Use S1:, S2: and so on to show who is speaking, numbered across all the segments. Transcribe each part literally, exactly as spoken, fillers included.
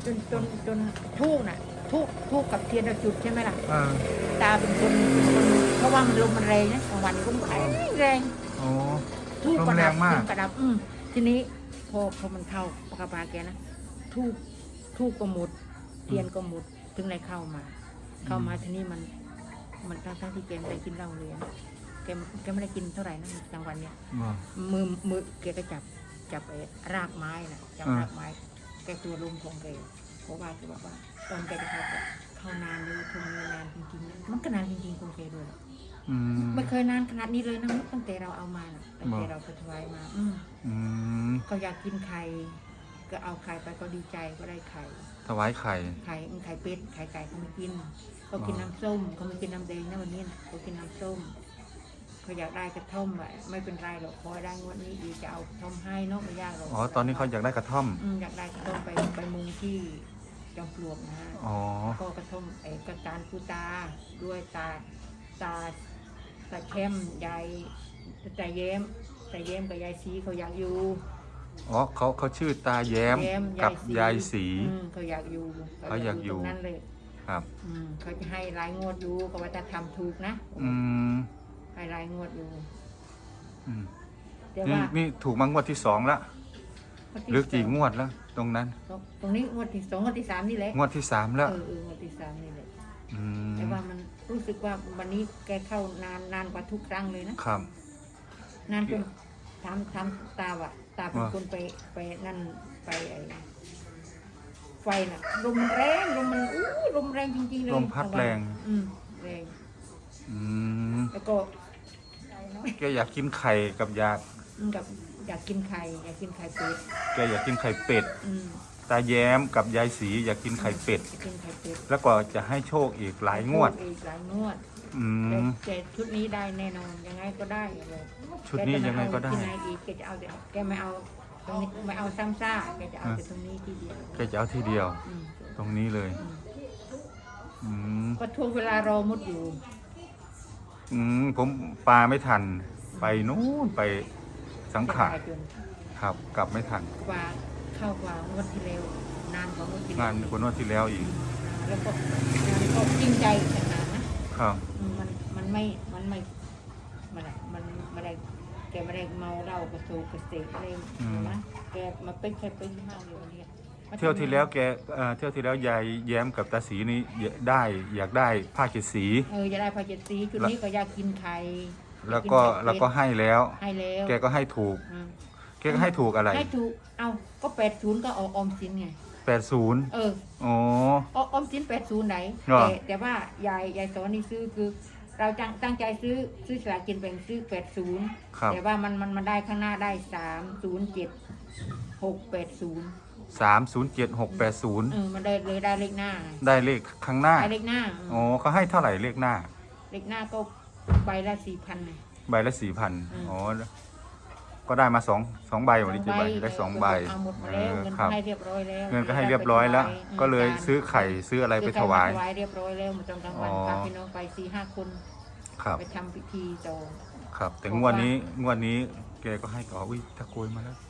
S1: จนจนจนทูกน่ะทูกทูกกับเทียนเราจุดใช่ไหมล่ะ
S2: อ่า
S1: ตาเป็นคนเป็นคนเพราะว่ามันลมมันแรงนะกลางวันลมแรงแรง
S2: โอ้
S1: ทูก
S2: ล
S1: ก
S2: ม
S1: ระ
S2: แร
S1: ดับ
S2: งมาก
S1: ทูกกระดับอืมทีนี้พอพอมันเข้าปากกาปาแกนะทูกทูกก็หมดเทียนก็หมดถึงได้เข้ามา เข้ามาทีนี้มัน มันทั้งทั้งที่แกไม่ได้กินเหล้าเลยนะแกแกไม่ได้กินเท่าไหร่นะกลางวันเนี่ย
S2: บ่
S1: มือมือแกก็จับจับไอ้รากไม้นะจับ
S2: อ่าร
S1: รากไม้แกตัวลมของแกเพราะว่าแกบอกว่าตอนแกจะเข้าไปเข้านานเลยคงนานจริงๆนะมันก็นานจริงๆของแกด้วย
S2: อืม
S1: ไม่เคยนานขนาดนี้เลยนะตั้งแต่เราเอามาน่ะตั้งแต่
S2: บ่
S1: เราไปถวายมา อืม
S2: อืม
S1: เขาอยากกินไข่ก็เอาไข่ไปก็ดีใจก็ได้ไข่
S2: ถวายไข่
S1: ไข่ไข่เป็ดไข่ไก่เขาไม่กินเขากินน้ำส้มเขาไม่กินน้ำแดงนะวันนี้นะเขากินน้ำส้มเขาอยากได้กระท่อมอะไม่เป็นไรหรอกพอได้งวดนี้ดีจะเอากระท่อมให้เนอะไม่ยากหรอก
S2: อ๋อตอนนี้เขาอยากได้กระท่อม
S1: อืมอยากได้กระท่อมไปไปมุงที่จอมปลวกนะ
S2: อ๋อ
S1: ก็กระท่อมไอ้กระการกูตาด้วยตาตาตาเข้มยายตาแย้มตาแย้มกับยายสีเขาอยากอยู่
S2: อ๋อเขาเขาชื่อตาแย้ม
S1: แย้ม
S2: กับยายสี
S1: อืมเขาอยากอยู่
S2: เขาอยากอยู่
S1: ตรงนั้นเลย
S2: ครับ
S1: อืมเขาจะให้รายงวดอยู่เขาว่าจะทำถูกนะ
S2: อืม
S1: ให้รายงวดอยู่
S2: อืม
S1: แต่
S2: นี่
S1: ว่า
S2: นี่ถูกมางวดที่สองละหรือกี่งวดแล้ว ตรงนั้น
S1: ตรงตรงนี้งวดที่สองงวดที่สามนี่แหละ
S2: งวดที่สามแล้ว
S1: เออเอองวดที่สามนี่แหละ
S2: อืม
S1: แต่ว่ามันรู้สึกว่าวันนี้แกเข้านานนานกว่าทุกครั้งเลยนะครับ นานจนถามถามตาว่ะตาเป็น
S2: ว่า
S1: คนไปไปนั่นไปไอ้ไฟน่ะลมมันแรงลมมันอู้ลมแรงจริงๆเลย
S2: ลมพัดแรง
S1: อืมแรง
S2: อืม
S1: แล้วก็
S2: แกอยากกินไข่กับอยาก
S1: อืมกับอยากกินไข่อยากกินไข่เป็ด
S2: แกอยากกินไข่เป็ด
S1: อืม
S2: ตาแย้มกับยายสีอยากกินไข่เป็ด
S1: อยากกินไข่เป็ด
S2: แล้วก็จะให้โชคอีกหลายงวด
S1: อีกหลายงวด
S2: อื
S1: แต่
S2: ม
S1: แต่ชุดนี้ได้แน่นอนยังไงก็ได้เลย
S2: ชุดนี้ยังไงก็ได้
S1: แจะม่เอาที่ไหนอีกแกจะเอาแต่แกไม่เอาตรงนี้ไม่เอาซ้ำซ่าแกจะเอาแต่ตรงนี้ทีเดียว
S2: แกจะเอาทีเดียว
S1: อืม
S2: ตรงนี้เลย
S1: อืม
S2: อืม
S1: ก็ทวงเวลารอมดอยู่
S2: อืมผมปลาไม่ทัน ไปนู้นไปสังขาร
S1: จะได้จน
S2: ครับ กลับไม่ทัน
S1: กว่าเข้ากว่างวดที่แล้วนานกว่างวดที่
S2: งา
S1: แล้ว
S2: นคนนวดที่แล้วอีก
S1: แล้วก็งานก็จริงใจขนาดนะครับ อืมมันมันไม่มันไม่มันอะไรมันไม่ได้แกไม่ได้เมาเหล้ากระโซกระเสกอะไรนะแกมาเป็นแค่เป็นห้าอยู่อันเนี้ย
S2: เที่ยวที่แล้วแกเอ่อเที่ยวที่แล้วยายแย้มกับตาสีนี่ได้อยากได้ผ้าเจ็ดสี
S1: เออจะได้พาเจ็ดสีชุดนี้ก็อยากกินไข่
S2: แล้วก็
S1: อยา
S2: แล้ว
S1: น
S2: ก็
S1: ไข่
S2: ให้แล้ว
S1: ให้แล้ว
S2: แกก็ให้ถูก
S1: อืม
S2: แกก็ให้ถูกอะไร
S1: ให้ถูกเอาก็แปดศูนย์ก็เอาออมสินไง
S2: แปดศูนย์
S1: เออ
S2: อ๋อ
S1: ออมสินแปดศูนย์ไหน
S2: เหรอ
S1: แต่แต่ว่ายายยายสอนนี่ซื้อคือ เราตั้งตั้งใจซื้อซื้อสลากกินแบ่งซื้อแปดศูนย์
S2: ครับ
S1: แต่ว่ามันมันมันได้ข้างหน้าได้สามศูนย์เจ็ดหกแปดศูนย์
S2: สามศูนย์เจ็ดหกแปดศูนย์
S1: เออมันได้เลยได้เลขหน้าไง
S2: ได้เลขข้างหน้า
S1: ได้เลขหน้า
S2: อ๋อเขาให้เท่าไหร่เลขหน้า
S1: เลขหน้าก็ใบละสี่พันไง
S2: ใบละสี่พัน
S1: อืม
S2: อ๋อ ก็ได้มาสองสองใบวันนี้จะใบได้สองใบ
S1: เอาหมดมา
S2: เอ
S1: แล้ว
S2: อ
S1: เงิน
S2: ครับ
S1: ให้เรียบร้อยแล้ว
S2: เงินก็ให้เรียบร้อยแล้ว
S1: ม
S2: ก็เลยซื้อไข่ซื้ออะไรไปถวาย
S1: ซื้อไข่มถวายเรียบร้อยแล้วมาจองกลางวัน
S2: อ๋อ
S1: พาพี่น้องไปสี่ห้าคน
S2: ครับ
S1: ไปทำพิธีจอง
S2: ครับ แต่งวดนี้งวดนี้แกก็ให้ก่ออุ้ยตะโกยมาแล้ว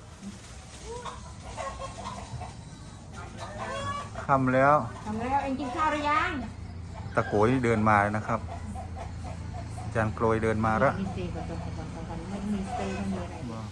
S2: ทำแล้ว
S1: ทำแล้วเองกินข้าวหรือยัง
S2: ตะโกยเดินมาแล้วนะครับอาจารย์โกยเดินมาแล้ว
S1: มีเซกับตรงกลางวันไม่มีเซไม่มีอะไร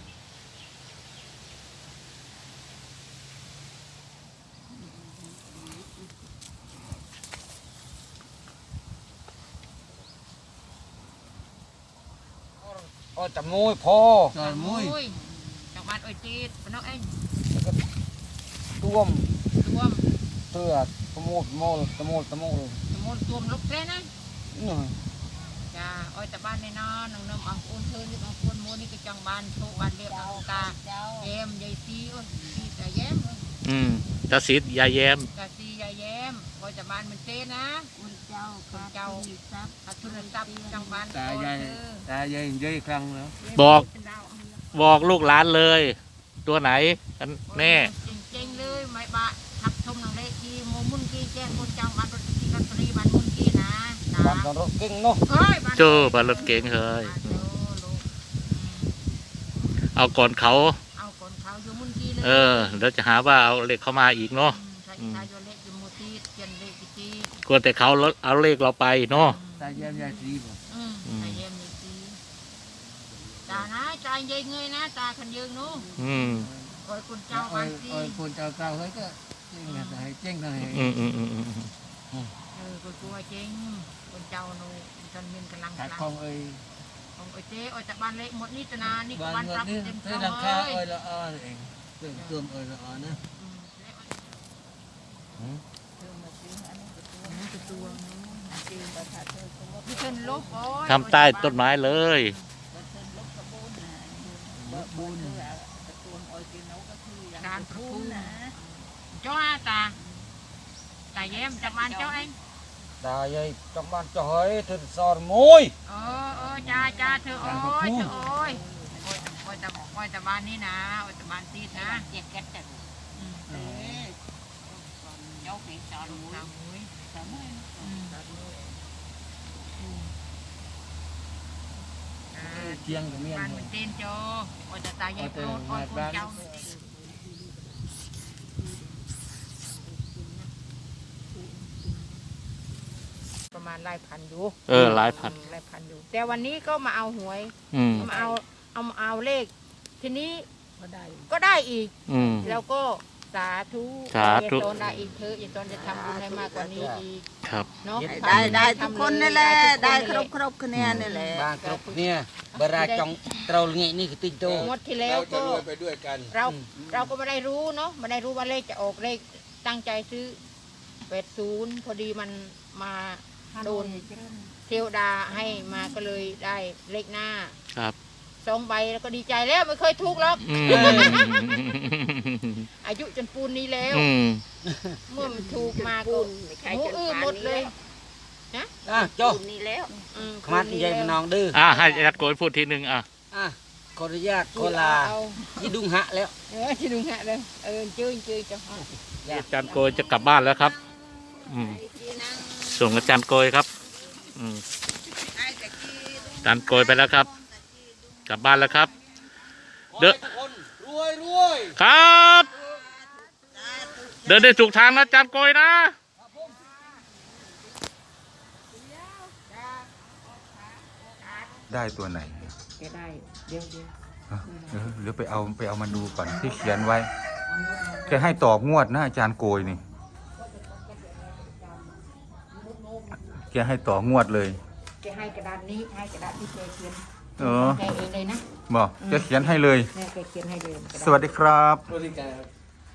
S3: โอ้จำมุ้ยพ่อ
S1: จากมุ้ยจากบ้านอ้อยจีดพี่น้องเอง
S3: ต้วม
S1: รวม
S3: เตือตะมุดโมลตะมุดตะมุด
S1: สมุนรวมลูกเทนะ
S3: นี่
S1: จ้าอ้อยแต่บ้านในนอนน้องน้ำอังอุ่นเธอนี่บางคนโมนี่ก็จังบ้านโชคบ้านเรียบอังกาแย้มยายซีอ้ยซีแต่แย้ม
S4: อืมตาสิทธิ์ยายแย้ม
S1: กะซียายแย้มอ้อยแต่บ้านมันเต้นะอุ่นเจ้าคุณเจ้าอัตุนทรัพย์จังบ้าน
S3: ตายายตายายยัยครั้งแล้ว
S4: บอกบอกลูกหลานเลย ตัวไหนกันแน่
S1: จริงๆเลยไม่บะทับชมหนังเล็กที่โมมุนกี้แจ้งคนจังบ้านรถที่รถตรีบ้านมุนกี้นะ
S3: บ้านตอนรถเก่งเนาะ
S1: เอ้ยบ้าน
S4: โจ้บารถเก๋งเฮ้ย เอาก่อนเขา
S1: เอาคนเขาอยู่มุนกี้เลย
S4: เออเดี๋ยวจะหาว่าเอาเหล็กเข้ามาอีกเนาะ
S1: ใส่
S4: อืม
S1: ตายโยเล็กอยู่มูตีเจียนเล็กจี
S4: กลัวแต่เขาเอาเลขเราไปเนาะ
S3: ตาเยี่ยมยายดีบ่
S1: อืม
S4: อืม
S1: ตายเยี่ยมเลยจีตานะตายยัยเงยนะตาขันยืงนู้
S4: อืม
S1: คอยคุณเจ้า
S3: โอ้
S1: บาง
S3: ย
S1: ที
S3: โอ้ยคนเจ้าเก่าเฮ้ยก็เจ๊งไงแต่ให้เจ๊งหน่อย
S4: อืมอืมอืมอืม
S1: เออคอยกลัวจริงคุณเจ้านู้จนเงินกำลัง
S3: ขาย
S1: กำลัง
S3: ของเอ้ย
S1: ของไอ้เจ๊ไอ้แต่บ้านเล็กหมดนี่ตนานี่ก็
S3: บ้าน
S1: บ้าน
S3: เงิ
S1: ป
S3: น
S1: รับ
S3: นี่
S1: เต็ม
S3: ซื้อ
S1: เท่า
S3: ราคา
S1: เล
S3: เอ้
S1: ย
S3: ยละอ้อเองเติมเติมเอ้ยละอ้อนะ
S1: อืมแล้วเออตัวนู้นจริงนี่เป็นลบโอ้ย
S4: ทำใต้ต้นไม้เลย
S3: บุญ
S1: การพูดเจ้าอาตาตาเยี่ยมจากบ้านเจ้าเอง
S3: ตายายtrong ban cho hỏi thử sòn môi
S1: เออเออจ้าจ้าเธอโอ้ยเธอโอ้ยโอ้ยโอ้ยแต่โอ้ยแต่บ้านนี้นะโอ้ยแต่บ้านตีดนะเจ็ดแก๊สจ้ะอืมเออเจ้าผีสอนหมูสามหมูสามหมูอืมอืมอ่า
S3: chiêng của miền
S1: บ้านมันเต้นโจโอ้ยแต่ตายายโปรดโอ้ยคนเจ้ามันเต้นประมาณหลายพันอยู่
S4: เออหลายพัน
S1: หลายพันอยู่ แต่วันนี้ก็มาเอาหวย
S4: อืม
S1: มาเอาเอามาเอาเลข ทีนี้ก็ได้ก็ได้อีก
S4: อืม
S1: แล้วก็สาธุ
S4: สาธุ
S1: ยายโตนได้อีกเธอะยายโตนจะทำบุญให้มากกว่านี้อีก
S4: ครับ
S1: เนาะ
S5: ได้ได้ทุกคนนี่แหละได้
S1: ทุก
S5: ครบ
S1: น
S5: ครบคะแนนนี่แหละ
S3: ban cướp nè bà ra trong trâu nghệนี่คือติดโต
S1: งวดที่แล้วก็เราเราก็ไม่ได้รู้เนาะไม่ได้รู้ว่าเลขจะออกเลขตั้งใจซื้อแปดศูนย์พอดีมันมาโดนเทวดาให้มาก็เลยได้เลขหน้า
S4: ครับ
S1: สองใบแล้วก็ดีใจแล้วไม่เคยถูกหรอก
S4: อืม
S1: อายุจนปูนนี้แล้ว
S4: อืม
S1: เมื่อมันถูกมาก็หมูอื้อหมดเลย
S3: à cho
S5: นี่แล้ว
S1: อืม
S3: mắt như vậy mà non đưa
S4: อ่าให้อาจารย์โกยพูดทีหนึ่งอ่ะ
S3: à có đi ra
S1: ปู
S3: có
S1: นเอา
S3: là
S1: เอา
S3: chỉ đúng hạ léo
S1: เออที่ดุงฮะเลยเออจื้อจื้อจะ
S4: อาจารย์โกยจะกลับบ้านแล้วครับ อืมส่งอาจารย์โกยครับ อืมอาจารย์โกยไปแล้วครับ กลับบ้านแล้วครับ เด้อ
S3: ruồi ruồi
S4: ครับ เดินได้ถูกทางนะอาจารย์โกยนะ
S2: ได้ตัวไหน
S1: แกได้เดี๋ยวเดี๋ยว
S2: ฮะเดี๋ยวเดี๋ยวไปเอาไปเอามาดูก่อนที่เขียนไว้แกให้ต่องวดนะอาจารย์โกยนี่แกให้ต่องวดเลย
S1: แกให้กระดานนี้ให้กระดาษที่แกเขียน
S2: เออ
S1: แกเองเลยนะ
S2: บอกแกเขียนให้เลย
S1: เนี่ยแกเขียนให้เลย
S2: สวัสดีครับ
S1: กระดาษ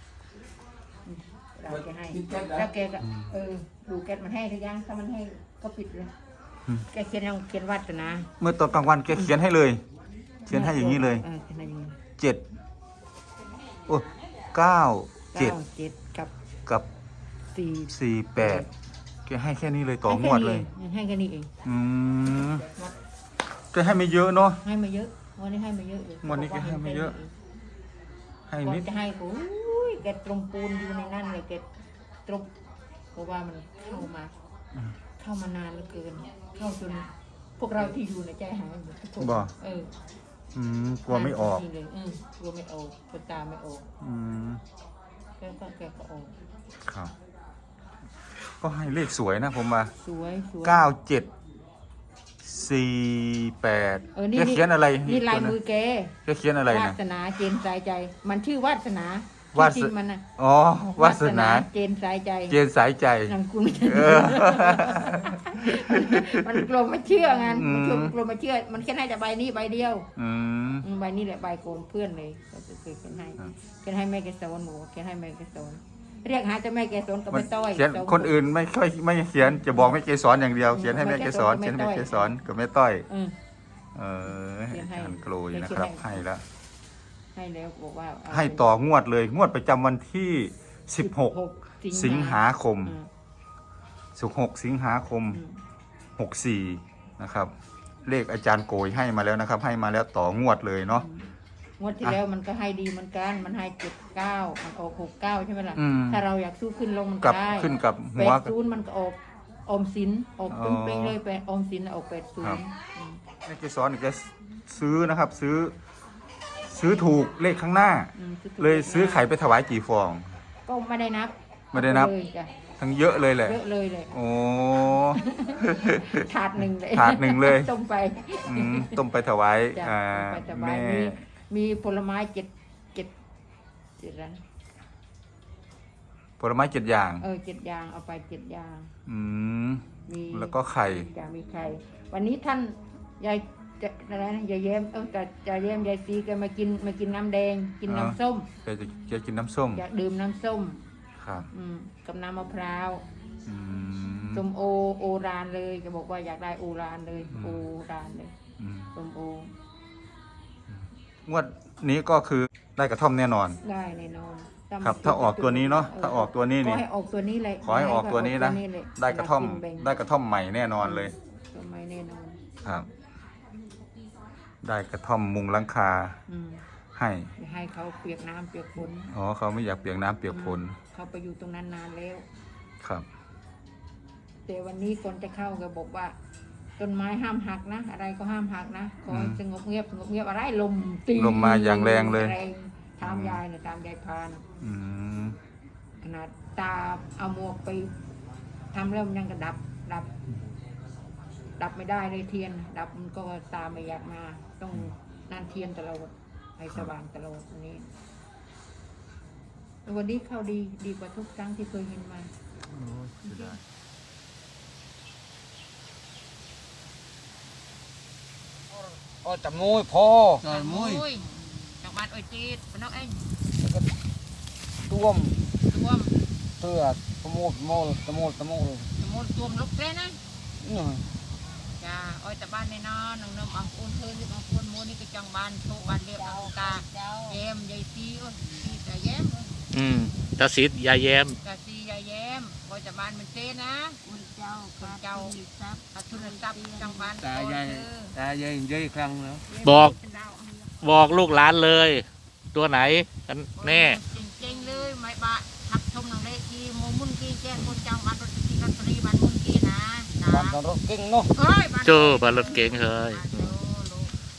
S1: แกให้แล้วแกก็เออดูแกมันให้หรือยังถ้ามันให้ก็ปิดเลยแกเขียนยังเขียนวัดนะ
S2: เมื่อตอนกลางวันแกเขียนให้เลย เขียนให้อย่างนี้เลย
S1: เออเขียนให้อย่างนี้
S2: เจ็ดโอ้เก้าเจ็ด
S1: ก้าเจ็ดกับ
S2: กับ
S1: สี่
S2: สี่แปดแกให้แค่นี้เลยต่องวดเลย
S1: ให้แค่นี้เอง
S2: อืมแกให้ไม่เยอะเนาะ
S1: ให้มาเยอะวันนี้ให้มาเยอะเลย
S2: วันนี้แกให้มาเยอะ ให้
S1: ก่อ
S2: นิ
S1: น
S2: ด
S1: จะให้โอ้ยแกตรงปูนอยู่ในนั่นเลยแกตรงเพราะว่ามันเข้ามา เข้ามานานเหลือเกิน เข้าจนพวกเราที่อยู่ในใจหายหมดทุกคน
S2: บ่
S1: เออ
S2: อืมกลัวไม่ออก
S1: จริงๆเลยอืมกลัวไม่ออกคนตาไม่ออก
S2: อืม
S1: แกก็แกก็ออก
S2: ครับ ก็ให้เลขสวยนะผมว่า
S1: สวยสวย
S2: เก้าเจ็ดสี่แปด
S1: เออนี่
S2: แกเขียนอะไร
S1: นี่ลาย
S2: ตัวนั้น
S1: มือแก
S2: แกเขียนอะไร
S1: วา
S2: นะ
S1: สนาเจนสายใจ มันชื่อวาสนาว
S2: าส
S1: จริงๆมันนะ
S2: อ๋อวาสนา
S1: เจนสายใจ
S2: เจนสายใจ
S1: นามคุณ
S2: เออ
S1: มันกลัวไม่เชื่อไง
S2: อืม
S1: มันกลัวไม่เชื่อ มันแค่ให้แต่ใบนี้ใบเดียว
S2: อืม
S1: อืมใบนี้แหละใบโกนเพื่อนเลยก็คือเขียนให้
S2: ครับ
S1: เขียนให้แม่แกสอนหมูเขียนให้แม่แกสอนเรียกหาแต่แม่แกสอนก็ไม่ต้อย
S2: เขียน
S1: ส
S2: คนอื่นไม่ค่อยไม่เขียนจะบอกไม่เกสรอย่างเดียว เขียนให้แม่เกสรเขียนให้แม่เกสรกับแม่ต้อย
S1: อืม
S2: เออ
S1: เขียนให้
S2: อาจารย์โกรยนะครับ
S1: เขียนให้
S2: ให้แล้ว
S1: ให้แล้วบอกว่าเา
S2: ให้ต่องวดเลย งวดประจำวันที่สิบหก สิงหาคม
S1: อืม
S2: สิบหกสิงหาคม
S1: อืม
S2: หกสี่นะครับ เลขอาจารย์โกยให้มาแล้วนะครับ ให้มาแล้วต่องวดเลยเนาะ
S1: งวดที่แล้วมันก็ให้ดีเหมือนกัน มันให้เจ็ดเก้ามันออกหกเก้าใช่ไหมล่ะ
S2: อืม
S1: ถ้าเราอยากสู้ขึ้นลงมัน
S2: กั
S1: ก็
S2: บ
S1: ได้
S2: ขึ้นกับ
S1: แป
S2: หัว
S1: ดศูนย์มันก็ออกออมสินออก
S2: อ๋อ
S1: ตึ้งเป้งเลยไปออมสินออกแปดศู
S2: ครั
S1: น
S2: บ
S1: ย์
S2: แม่เกสรจะซื้อนะครับ ซื้อ ซื้อถูกเลขข้างหน้า เลยซื้อไข่ไปถวายกี่ฟอง
S1: ก็ไม่ได้นับ
S2: ไม่ได้นับ
S1: เอาปเลยจ้ะ
S2: ทั้งเยอะเลยแหละ
S1: เยอะเลยเลย
S2: โอ้
S1: ถาดหนึ่งเลย
S2: ถาดหนึ่งเลย
S1: ต้มไป
S2: อืมต้มไปถวาย
S1: จ้ะ
S2: อ่า
S1: ต้มไปถวา
S2: แม่
S1: ยมีมีผลไม้เจ็ดเจ็ดเจ็ดอะไรนะ
S2: ผลไม้เจ็ดอย่าง
S1: เออเจ็ดอย่างเอาไปเจ็ดอย่าง
S2: อืม
S1: มี
S2: แล้วก็ไข่
S1: จะมีไข่วันนี้ท่านยายจะอะไรนะยายแย้มเออแต่ยายแย้มยายซีแกมากินมากินน้ำแดง กินน้ำส้ม
S2: แกจะแกกินน้ำส้ม
S1: อยากดื่มน้ำส้ม
S2: ครับ
S1: อืมกับน้ำมะพร้าว
S2: อืม
S1: ส้มโอโอรานเลยแกบอกว่าอยากได้โอรานเลย
S2: อืม
S1: โอรานเลย
S2: อืม
S1: ส้มโอง
S2: วดนี้ก็คือได้กระท่อมแน่นอน
S1: ได้แน่นอน
S2: ครับ ถ้าออกตัวนี้เนาะถ้าออกตัวนี้
S1: ขอ
S2: นี่
S1: ให้ออกตัวนี้เลย
S2: ขอให้ออกตัวนี้นะ
S1: ขอให้ออกตัวเลย
S2: ได้กระท่อม
S1: กินแบ่ง
S2: ได้กระท่อมใหม่แน่นอนเลย
S1: ตัวไม่แน่นอน
S2: ครับ ได้กระท่อมมุงหลังคา
S1: อืม
S2: ให้
S1: อย่าให้เขาเปียกน้ำเปียกฝน
S2: อ๋อเขาไม่อยากเปียกน้ำเปียกฝน
S1: เขาไปอยู่ตรงนั้นนานแล้ว
S2: ครับ
S1: แต่วันนี้คนจะเข้าก็บอกว่าต้นไม้ห้ามหักนะ อะไรก็ห้ามหักนะขอให้
S2: อืม
S1: สงบเงียบสงบเงียบอะไรลมตี
S2: ลมมาอย่างแรงเลย
S1: แรงตามยายนะตามยายพานะ
S2: อืม
S1: ขนาดตาเอาหมวกไปทำแล้วมันยังกระดับดับ ดับไม่ได้เลยเทียน ดับมันก็ตาไม่อยากมา ต้องนั่นเทียนตลอดให้สว่างตลอดวันนี้วันนี้เข้าดีดีกว่าทุกครั้งที่เคยเห็นมา
S3: โอ้แต่มวยพอ
S5: จอยมุ้ย
S1: จากบ้านอ้อยจีดเป็นน้องเอง
S3: ต้วม
S1: ตัวม
S3: เตือตะมูดโมลตะมูดตะมูล
S1: สมุนตัวมลุกเลยนะ
S3: นี่
S1: จ้าอ้อยแต่บ้านในนอนน้องน้ำอังปูนเธอที่อังปูนมูนี่ก็จังบ้านโชคบ้านเรียบอังกาแย้มยายซีโอ้ยซีแต่แย้ม
S4: อืมตาสิทธิ์ยายแย้ม
S1: กะซียายแย้มอ้อยแต่บ้านมันเต้นะ
S5: คุณเจ้า
S1: คุณเจ้าอัทุนทรัพย์จังบ้าน
S3: ตายายตายายยายครั้งแล้ว
S4: บอก บอกลูกหลานเลย ตัวไหนกันแน่
S1: จริงๆเลยไม่บะทับชมหนังเละกีโมมุนกีแจ้งคนจังบ้านรถกีรถตรีบ้านมุนกีนะนะ
S3: บ้านตอนรถเก่งเนาะ
S1: เฮ้ยบ้าน
S4: เจอบารถเก๋งเฮ้ย
S1: บ้านโลโล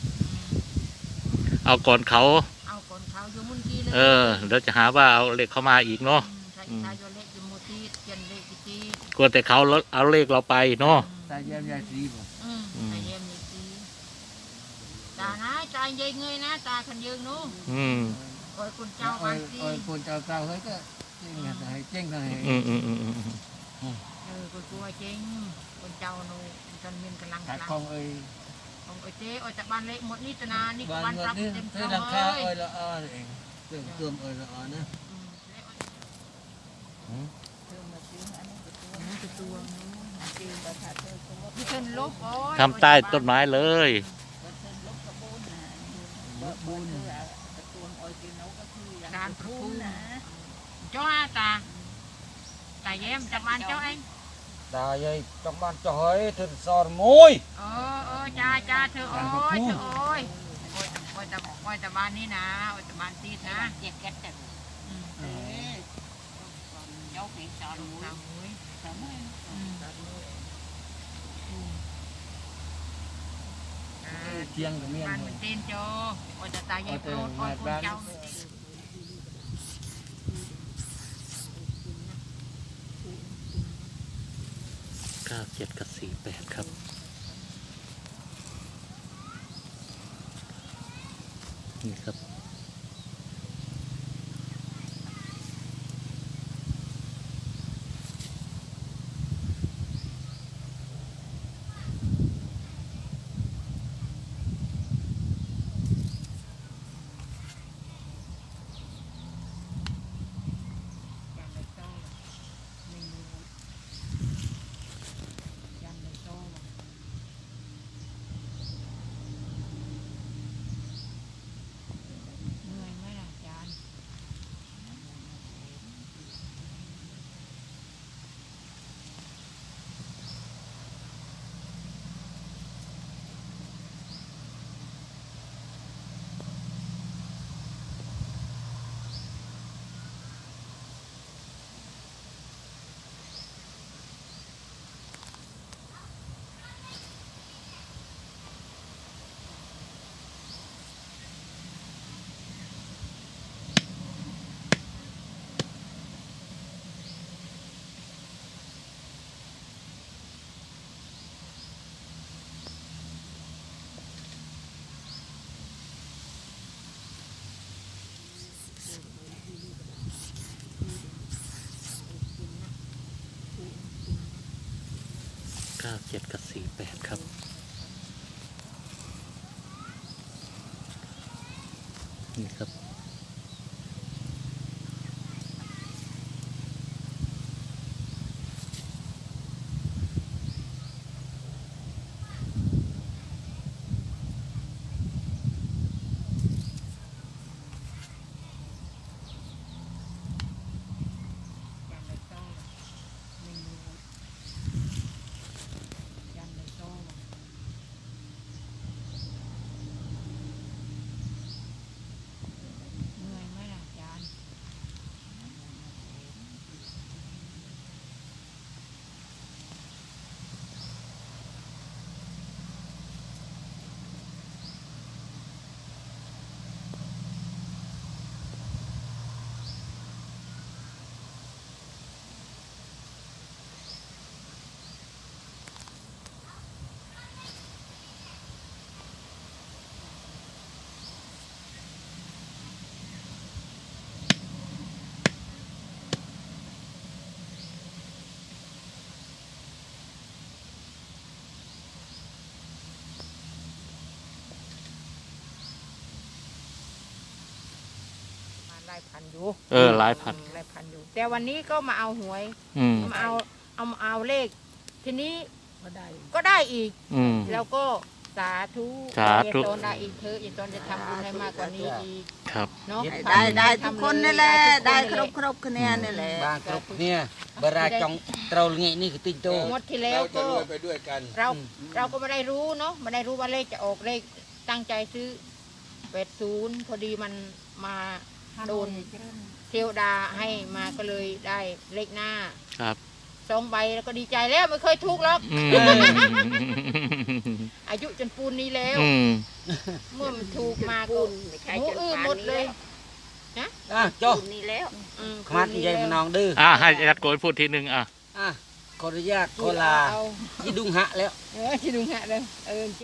S4: เอาก่อนเขา
S1: เอาคนเขาอยู่มุนกีเลย
S4: เออเดี๋ยวจะหาว่าเอาเลขเข้ามาอีกเนาะ
S1: ใส่ตาโยเล็กอยู่มูตีเจียนเล็กกีตี
S4: กลัวแต่เขาเอาเลขเราไปเนาะ
S3: ตายายยายสีบ่
S1: อืมใส่เยี่ยมนี่ตีตานะตาเยยเงยนะตาขันยืงนู้
S4: อืม
S1: โอ้ยคุณเจ้า
S3: โอ้
S1: บ้าย นตี
S3: โอ้ยคนเจ้าเก่าเฮ้ยก็เจ๊งไงเจ๊งไง
S4: อืมอืมอืมอืม
S1: เออคุณกลัวจริงคุณเจ้าหนูจนมีกำลัง
S3: ขาย
S1: กำลัง
S3: ของเอ้ย
S1: ของไอ้เจ๊โอ้ยจากบ้านเล็กหมดนี่ตนานี่ก็
S3: บ้าน
S1: บ้าน
S3: เงิ
S1: ปรับ
S3: นนี่
S1: เต็ม
S3: เธ
S1: เท่า
S3: อราคา
S1: เลย
S3: เอ้ยละอ้อเองเติมเติมเอ้ยละอ้อนะ
S1: พี่เชิญลบโอ้ย
S4: ทำใต้ต้นไม้เลย
S3: บุญ
S1: การประทุมเจ้าอาตาตาแย้มจากบ้านเจ้าเอง
S3: ตายายtrong ban cho hơi thử sò môi
S1: เออเออจ้าจ้าเธอโอ้ยเธอโอ้ยโอ้ยโอ้ยแต่โอ้ยแต่บ้านนี้นะโอ้ยแต่บ้านตีนะเจ็ดแก๊สแต่เจ้าผีสอนสาวมุ้ยสาวมุ้ยอืม
S3: chiêng của miền
S1: บ้านมันเต้นโจโอ้ยแต่ตายายโปรดโอ้ยคุณเจ้า
S4: เก้าเจ็ดกับสี่แปดครับ นี่ครับก้าเจ็ดกับสี่แปดครับนี่ครับ
S1: ยันเลยต้องไม่รู้ยันเลยต้องเหนื่อยไหมล่ะอาจารย์ มาไล่พันอยู่
S4: เออหลายพัน
S1: ไล่พันอยู่ แต่วันนี้ก็มาเอาหวย
S4: อืม
S1: มาเอาเอามาเอาเลข ทีนี้ก็ได้ก็ได้อีก
S4: อืม
S1: แล้วก็สาธุ
S4: สาธุ
S1: อย่ตนได้อีกเธอะอย่าตนจะทำบุญให้มากกว่านี้อีก
S4: ครับ
S1: เนาะ
S5: ได้ได้ทุกคนนี่แหละได้ครบ
S1: บ
S5: ครบคะแนนนี่แหละ
S3: បានគ្រប់គ្នាបារាចង់ត្រូវល្ងាចនេះគឺតិចតូច
S1: งวดที่แล้วก็
S6: ไปด้วยกัน
S1: เราเราก็ไม่ได้รู้เนาะไม่ได้รู้ว่าเลขจะออกเลขตั้งใจซื้อแปดศูนย์พอดีมันมาโดนเทวดาให้มาก็เลยได้เลขหน้า
S4: ครับ
S1: สองใบแล้วก็ดีใจแล้วไม่เคยถูกหรอก
S4: อืม
S1: อายุจนปูนนี้แล้ว
S4: อืม
S1: เมื่อมันถูกมาก็หมูอื้อหมดเลย
S3: អ่ะចុះ
S5: นี่แล้ว
S1: อืม
S3: ខ្មាត់និយាយម្ដងឌឺ
S4: อ่าให้อาจารย์โกยพูดทีหนึ่งอ่ะ
S3: អ่ะខអនុញ្ញាតខ
S1: เอา
S3: ឡា
S1: เอา
S3: ជីឌុងហាក់แล้ว
S1: เออที่ดูฮะเลยเออ